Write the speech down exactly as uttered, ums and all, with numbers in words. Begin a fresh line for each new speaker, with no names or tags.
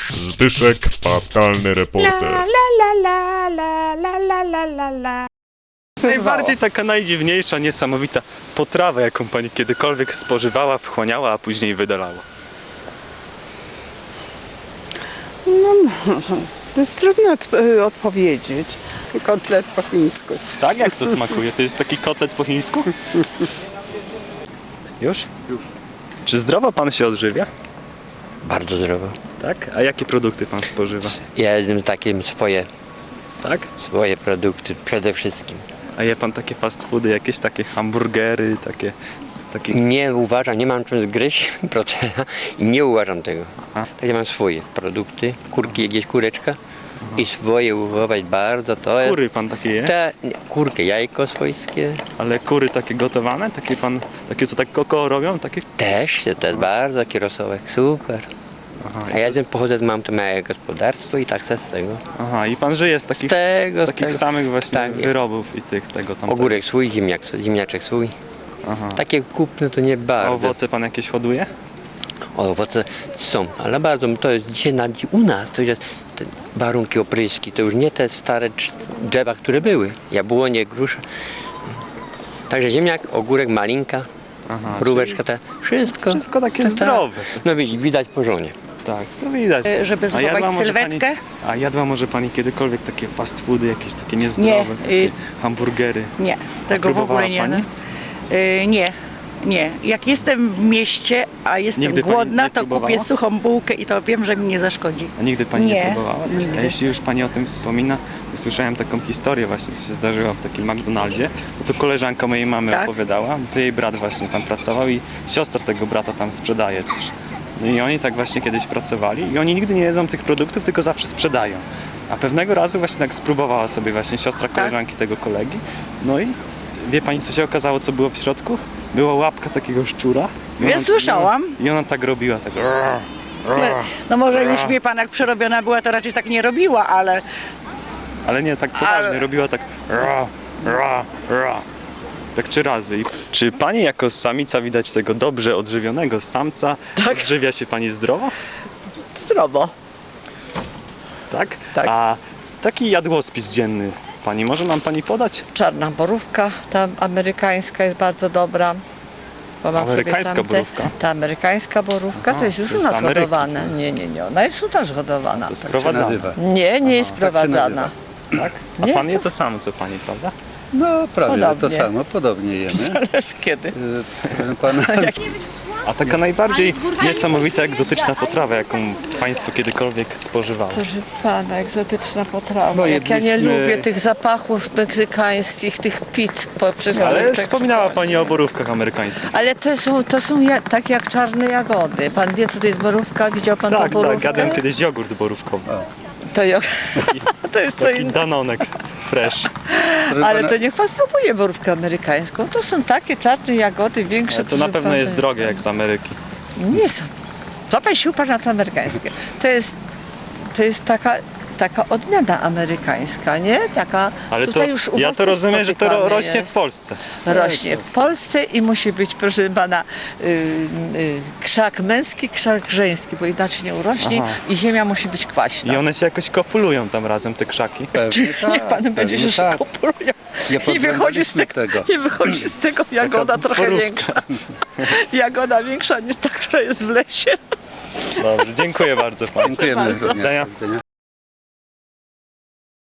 Zbyszek, fatalny reporter.
La la la la la la la la la.
Najbardziej taka najdziwniejsza, niesamowita potrawa, jaką pani kiedykolwiek spożywała, wchłaniała, a później wydalała.
To jest trudno od, y, odpowiedzieć. Kotlet po chińsku.
Tak? Jak to smakuje? To jest taki kotlet po chińsku? Już?
Już.
Czy zdrowo pan się odżywia?
Bardzo zdrowo.
Tak? A jakie produkty pan spożywa?
Ja jestem takim swoje,
Tak?
swoje produkty przede wszystkim.
A je pan takie fast foody, jakieś takie hamburgery, takie z takich...
Nie uważam, nie mam czym zgryźć procena i nie uważam tego.
Aha.
Tak ja mam swoje produkty, kurki, gdzieś kureczka i swoje uchować bardzo, to jest...
Kury pan takie je?
Te, nie, kurkę, jajko swojskie
Ale kury takie gotowane? Takie pan, takie co tak koko robią? Takie?
też, to jest bardzo taki rosołek, super.
Aha,
A ja jestem, pochodzę z mam to małe gospodarstwo i tak se z tego.
Aha, i pan żyje z takich,
Z tego,
z
z
takich
tego.
samych właśnie
Tak, nie.
wyrobów i tych, tego tam.
Ogórek swój, ziemniak, ziemniaczek swój.
Aha.
Takie kupne to nie
A
bardzo.
owoce pan jakieś hoduje?
Owoce są, ale bardzo to jest dzisiaj na, u nas to jest te warunki opryski, to już nie te stare drz- drzewa, które były. Jabłonie, grusze. Także ziemniak, ogórek, malinka,
Aha,
mróweczka, te, wszystko.
wszystko takie
Ta-
zdrowe.
No widać, widać po żonie.
Tak, to widać.
Żeby
A
zachować
jadła może
sylwetkę?
Pani, a jadła może pani kiedykolwiek takie fast foody, jakieś takie
Nie,
niezdrowe, takie
y-
hamburgery?
Nie, tego w
próbowała
ogóle nie.
pani?
No. Y, nie, nie. Jak jestem w mieście, a jestem
Nigdy pani
głodna,
nie
to
próbowała?
kupię suchą bułkę i to wiem, że mi nie zaszkodzi.
A nigdy pani nie,
Nie,
próbowała? Tak?
nigdy.
A jeśli już pani o tym wspomina, to słyszałem taką historię właśnie, co się zdarzyła w takim McDonaldzie. Bo to koleżanka mojej mamy
Tak?
opowiadała, to jej brat właśnie tam pracował i siostra tego brata tam sprzedaje też. No i oni tak właśnie kiedyś pracowali i oni nigdy nie jedzą tych produktów, tylko zawsze sprzedają. A pewnego razu właśnie tak spróbowała sobie właśnie siostra koleżanki tego kolegi. No i wie pani, co się okazało, co było w środku? Była łapka takiego szczura. I
Ja słyszałam.
I ona tak robiła, tak...
No może już wie pan, jak przerobiona była, to raczej tak nie robiła, ale
Ale nie, tak poważnie,
Ale-
robiła tak ra, ra, ra. Tak trzy razy. I czy pani jako samica widać tego dobrze odżywionego samca?
Tak.
Odżywia się pani zdrowo?
zdrowo.
Tak?
Tak.
A taki jadłospis dzienny pani, może nam pani podać?
Czarna borówka, ta amerykańska jest bardzo dobra. Bo mam
Amerykańska
sobie tamte,
borówka?
Ta amerykańska borówka
Aha,
to jest już
to
u
jest z
nas
Ameryki
hodowana.
to jest.
Nie, nie, nie, ona jest u nas hodowana.
To sprowadzane.
nazywa.
Nie, nie jest
tak się
sprowadzana.
Tak? A
Nie
pan
jest
je
to-
to samo co pani, prawda?
No prawie że to
Podobnie.
samo, podobnie jemy.
Zależy kiedy.
Y, Proszę pana,
A taka najbardziej niesamowita, egzotyczna potrawa, jaką państwo kiedykolwiek spożywało?
Proszę pana, egzotyczna potrawa.
Bo
Jak ja nie
jedliśmy-
lubię tych zapachów meksykańskich, tych pizz poprzez
Ale
lączek
wspominała
przychodzi.
pani o borówkach amerykańskich.
Ale to są, to są ja, tak jak czarne jagody. Pan wie, co to jest borówka? Widział pan
Tak,
tą borówkę?
tak, jadłem kiedyś jogurt borówkowy.
To, jo- to jest co
Taki
innego.
danonek fresh.
proszę
Ale
pana,
to niech pan spróbuje borówkę amerykańską. To są takie czarne jagody, większe.
Ale to na
proszę
pewno
pana.
jest drogie jak z Ameryki.
Nie są. To pan sił pan na to amerykańskie. To jest, to jest taka, taka odmiana amerykańska, nie? Taka,
Ale to,
tutaj już u
ja
was
to rozumiem, że to ro,
spotykane
rośnie w
jest.
Polsce.
Rośnie w Polsce i musi być, proszę pana, y, y, krzak męski, krzak żeński, bo inaczej nie urośnie
Aha.
i ziemia musi być kwaśna.
I one się jakoś kopulują tam razem, te krzaki.
pewnie
Niech
tak,
pan będzie
pewnie
się
tak.
kopulują.
Nie
I wychodzi z
podglądaliśmy
tego,
tego.
i wychodzi z tego jagoda trochę
borówka.
większa. Jagoda większa niż ta, która jest w lesie.
Dobrze, dziękuję bardzo państwu.
Dziękujemy.
bardzo.
również.
Widzenia.
Do widzenia.